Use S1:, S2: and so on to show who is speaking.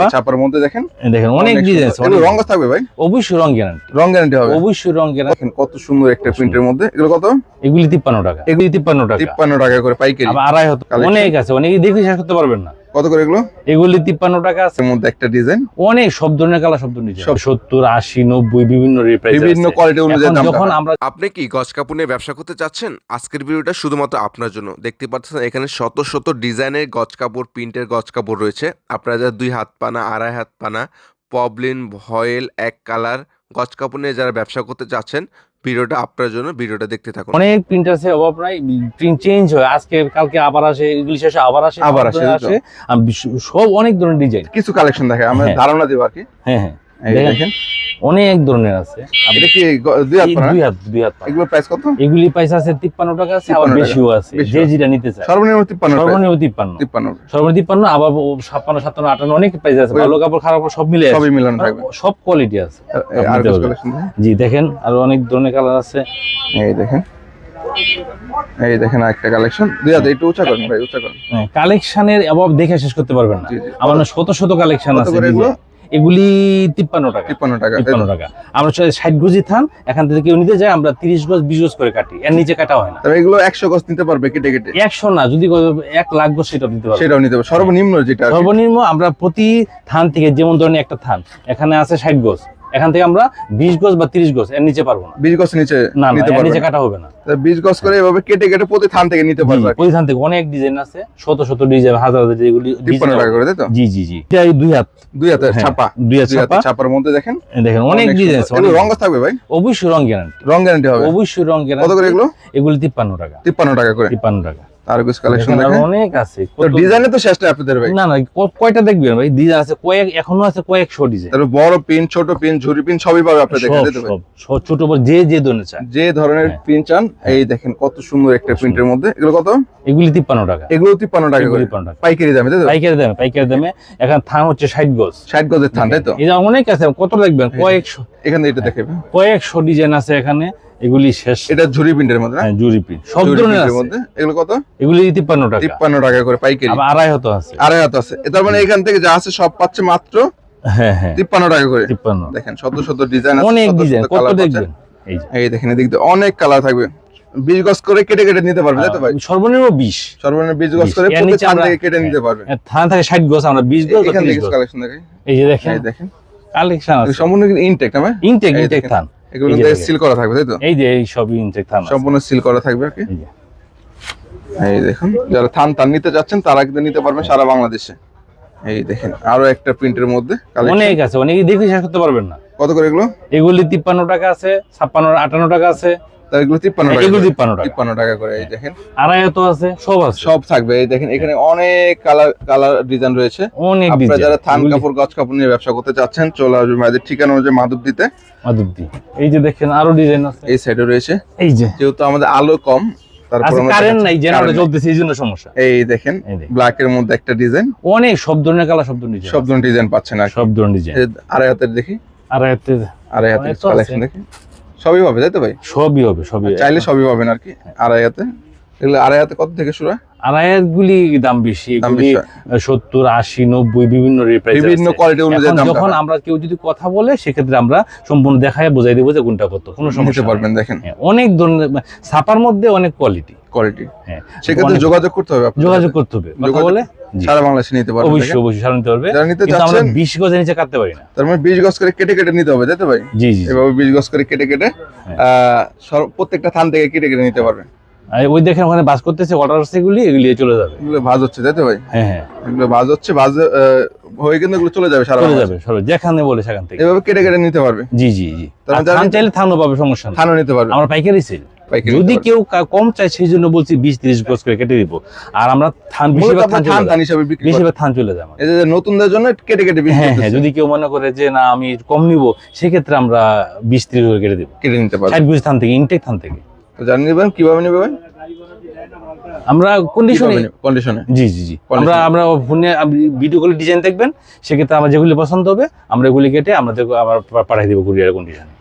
S1: ছাপার মধ্যে দেখেন
S2: অনেক ডিজাইন আছে।
S1: রং থাকবে ভাই?
S2: অবশ্যই রং গ্যারান্টি।
S1: রং গ্যারান্টি হবে?
S2: অবশ্যই রং গ্যারান্টি।
S1: দেখেন কত সুন্দর একটা প্রিন্টের মধ্যে। এগুলো কত?
S2: এগুলি 53 টাকা। এগুলি 53 টাকা।
S1: 53 টাকা করে পাইকারি।
S2: আবার 250। অনেক আছে, অনেকে দেখে শেষ করতে পারবেন না।
S1: কত করে এগুলো?
S2: এগুলি 53 টাকা আছে।
S1: এর মধ্যে একটা ডিজাইন
S2: অনেক সব ধরনের কালার, সব ধরনের ডিজাইন, 70, 80, 90 বিভিন্ন প্রাইস আছে,
S1: বিভিন্ন কোয়ালিটি অনুযায়ী দাম।
S2: যখন আমরা
S3: আপনি কি গজ কাপড় নিয়ে ব্যবসা করতে চাচ্ছেন? আজকের ভিডিওটা শুধুমাত্র আপনার জন্য। দেখতে পাচ্ছেন এখানে শত শত ডিজাইনের গজ কাপড়, প্রিন্টের গজ কাপড় রয়েছে। আপনারা যারা 2 হাত পানা, 2.5 হাত পানা, পবলিন, ভয়েল, এক কালার গজ কাপড় নিয়ে যারা ব্যবসা করতে চাচ্ছেন, ভিডিওটা আপনার জন্য। ভিডিওটা দেখতে থাকুন।
S2: অনেক প্রিন্ট আছে, অভাব নাই। প্রিন্ট চেঞ্জ হয়, আজকে কালকে আবার আসে, এগুলি শেষে আবার আসে। সব অনেক ধরনের ডিজাইন,
S1: কিছু কালেকশন দেখে আমরা ধারণা দিব আর কি।
S2: হ্যাঁ দেখেন অনেক ধরনের আছে।
S1: এটা কি 2 হাত পানা?
S2: 2 হাত পানা।
S1: এগুলো প্রাইস কত?
S2: এগুলি প্রাইস আছে 53 টাকা আছে, আবার বেশিও আছে, যে যেটা নিতে চায়।
S1: সর্বনিম্ন 53।
S2: সর্বনিম্ন 53। সর্বনিম্ন 53, আবার 56, 57, 58 অনেক প্রাইস আছে। ভালো কাপড়, খারাপ কাপড় সব মিলে আছে,
S1: সবই মিলানো থাকবে,
S2: সব কোয়ালিটি আছে।
S1: আর কালেকশন
S2: জি দেখেন, আর অনেক ধরনের কালার আছে।
S1: এই দেখেন আরেকটা কালেকশন। 2 হাত একটু উঁচা করেন ভাই, উঁচা করেন।
S2: কালেকশনের অভাব দেখে শেষ করতে পারবেন না। আমার শত শত কালেকশন আছে। এগুলি 53 টাকা। 53 টাকা। আমরা 60 গজি থান, এখান থেকে কেউ নিতে যায়, আমরা 30 গজ 20 গজ করে কাটি, এর নিচে কাটা হয় না।
S1: তবে এগুলো 100 গজ নিতে পারবে কেটে কেটে?
S2: 100 না, যদি 1 লাখ গজ সেটাও নিতে পারবে।
S1: সেটাও নিতে পারবে। সর্বনিম্ন যেটা,
S2: সর্বনিম্ন আমরা প্রতি থান থেকে, যেমন ধরেন একটা থান এখানে আছে 60 গজ, এখান থেকে আমরা 20 গজ বা 30 গজ এর নিচে পারবো না।
S1: 20 গজ নিচে নিতে পারবে,
S2: নিচে কাটা হবে না।
S1: 20 গজ করে এভাবে কেটে কেটে প্রতি থান থেকে নিতে পারবে।
S2: প্রতি থান থেকে অনেক ডিজাইন আছে, শত শত ডিজাইন, হাজার হাজার, যেগুলি
S1: 53 টাকা করে, তাই তো?
S2: জি জি জি। এটা 2 হাত
S1: ছাপা।
S2: 2 হাত ছাপা।
S1: ছাপার মধ্যে দেখেন
S2: অনেক ডিজাইন আছে।
S1: এগুলো রং থাকবে ভাই?
S2: অবশ্যই রং গ্যারান্টি।
S1: রং গ্যারান্টি হবে?
S2: অবশ্যই রং গ্যারান্টি।
S1: কত করে এগুলো?
S2: এগুলি 53 টাকা।
S1: 53 টাকা করে।
S2: 53 টাকা।
S1: আর কিছু কালেকশন দেখেন,
S2: অনেক আছে।
S1: তো ডিজাইনে তো শেষ না আপনাদের ভাই?
S2: না কয়টা দেখবেন ভাই, ডিজাইন আছে এখনো আছে কয়েকশো ডিজাইন।
S1: তাহলে বড় পিন, ছোট পিন, ঝুরি পিন সবই পাবে আপনাদের কাছে, তাই তো ভাই?
S2: সব ছোট বড় যে ধরনের চান,
S1: যে ধরনের পিন চান। এই দেখেন কত সুন্দর একটা প্রিন্টের মধ্যে। এগুলো কত?
S2: এগুলি 53 টাকা।
S1: এগুলো 53 টাকা করে পাইকারি দামে, তাই তো?
S2: পাইকারি দামে। এখন থান হচ্ছে 60 গজ।
S1: 60 গজের থান, তাই তো?
S2: এই যে অনেক আছে, কত দেখবেন, কয়েকশো।
S1: এখানে এটা দেখেন
S2: কয়েকশো ডিজাইন আছে এখানে, এগুলি শেষ।
S1: এটা ঝুরি প্রিন্টের মধ্যে না?
S2: ঝুরি প্রিন্ট সব ধরনের
S1: মধ্যে। এগুলো কত?
S2: এগুলি 53 টাকা।
S1: 53 টাকা করে পাইকারি।
S2: আবার 250 আছে।
S1: 250 আছে। তার মানে এখান থেকে যা আছে সব পাচ্ছে মাত্র 53 টাকা করে।
S2: 53।
S1: দেখেন শত শত ডিজাইন আছে,
S2: অনেক ডিজাইন, কত দেখবেন।
S1: এই দেখেন এদিক দিয়ে অনেক কালার থাকবে। 20 গজ করে কেটে কেটে নিতে পারবে, তাই তো ভাই?
S2: সর্বনিম্ন 20।
S1: সর্বনিম্ন 20 গজ করে প্রতি থান থেকে কেটে নিতে পারবে।
S2: থান থেকে 60 গজ, আমরা 20 গজ।
S1: এখান থেকে কালেকশন দেখেন।
S2: এই যে দেখেন, এই দেখেন কালেকশন আছে
S1: সম্পূর্ণ ইনটেক না?
S2: ইনটেক থান।
S1: এগুলো দিয়ে সিল করা থাকবে, তাই তো?
S2: এই যে এই সবই ইনটেক থান,
S1: সম্পূর্ণ সিল করা থাকবে আর কি। এই দেখুন, যারা থান নিতে যাচ্ছেন তারা কিন্তু নিতে পারবেন সারা বাংলাদেশে। এই দেখেন আরো একটা প্রিন্টের মধ্যে
S2: অনেক আছে, অনেকে দেখে শেষ করতে পারবেন না।
S1: কত করে এগুলো?
S2: এগুলি 53 টাকা আছে, 56, 58 টাকা আছে।
S1: এগুলো 53 টাকা।
S2: এগুলো 53
S1: টাকা করে। এই দেখেন
S2: 250 আছে, সব আছে,
S1: সব থাকবে। এই দেখেন এখানে অনেক কালার ডিজাইন রয়েছে,
S2: অনেক ডিজাইন।
S1: আপনারা যারা থান কাপড়, গজ কাপড় নিয়ে ব্যবসা করতে চাচ্ছেন, চলে আসবেন আমাদের ঠিকানা হচ্ছে মাধবদীতে।
S2: এই যে দেখেন আরো ডিজাইন আছে,
S1: এই সাইডে রয়েছে।
S2: এই যে
S1: যেহেতু আমাদের আলো কম, তারপর
S2: কারেন্ট নাই, জেনারেটর চলতেছে, এই জন্য সমস্যা।
S1: এই দেখেন ব্ল্যাক এর মধ্যে একটা ডিজাইন,
S2: অনেক সব ধরনের কালার, সব ধরনের ডিজাইন,
S1: সব ধরনের ডিজাইন পাচ্ছেন আর
S2: সব ধরনের ডিজাইন।
S1: আড়াই হাতের দেখি,
S2: আড়াই হাতের
S1: কালেকশন দেখি, সবই হবে, তাই তো ভাই?
S2: সবই হবে, সবই
S1: চাইলে সবই পাবেন আর কি। আড়াই হাতে, এগুলো আড়াই হাতে কত থেকে শুরু হয়?
S2: আড়াই হাত গুলি দাম বেশি, 70, 80, 90
S1: বিভিন্ন কোয়ালিটি অনুযায়ী দাম।
S2: যখন আমরা কেউ যদি কথা বলে, সেক্ষেত্রে আমরা সম্পূর্ণ দেখায় বোঝাই দেবো যে কোনটা কত, কোনো সমস্যা
S1: পারবেন। দেখেন
S2: অনেক ধরনের ছাপার মধ্যে অনেক কোয়ালিটি।
S1: সেক্ষেত্রে যোগাযোগ করতে হবে,
S2: যোগাযোগ করতে হবে, কথা বলে
S1: সারা বাংলাদেশে নিতে পারবে।
S2: অবশ্যই সারা নিতে পারবে। কিন্তু আমরা 20 গজের নিচে কাটতে পারি না।
S1: তার মানে 20 গজ করে কেটে কেটে নিতে হবে, তাই তো ভাই?
S2: জি জি,
S1: এভাবে 20 গজ করে কেটে কেটে প্রত্যেকটা থান থেকে কেটে কেটে নিতে পারবে।
S2: ওই দেখেন ওখানে বাস করতেছে, অর্ডার আসছে, এগুলি চলে যাবে।
S1: এগুলো ভাজ হচ্ছে, তাই তো ভাই?
S2: হ্যাঁ,
S1: এগুলো ভাজ হচ্ছে, ভাজ হয়ে কিন্তু এগুলো চলে যাবে, সারা যাবে,
S2: যেখানে বলে সেখান থেকে
S1: এভাবে কেটে কেটে নিতে পারবে।
S2: জি জি জি। থান চাইলে থানও পাবে, সমস্যা নেই,
S1: থানও নিতে পারবে।
S2: আমরা পাইকারি সেল। যদি কেউ কম চায়, সেই জন্য বলছি 20-30 গজ করে কেটে দিব। আর আমরা থান বেশিরভাগ থান চলে যায়।
S1: এই যে নতুনদের জন্য কেটে কেটে বিক্রি করতেছি।
S2: হ্যাঁ, যদি কেউ মনে করে যে না আমি কম নিব, সেক্ষেত্রে আমরা 20-30 করে কেটে দেব,
S1: কেটে নিতে পারবো
S2: 60 গজ থান থেকে, ইনটেক থান থেকে।
S1: তো জানিয়ে নেবেন কিভাবে নেবে ভাই?
S2: আমরা কন্ডিশনে জি জি জি, আমরা ফোনে ভিডিও কলে ডিজাইন দেখবেন, সেক্ষেত্রে আমার যেগুলি পছন্দ হবে আমরা এগুলি কেটে আমাদের আবার পাঠিয়ে দেবো কুরিয়ার কন্ডিশনে।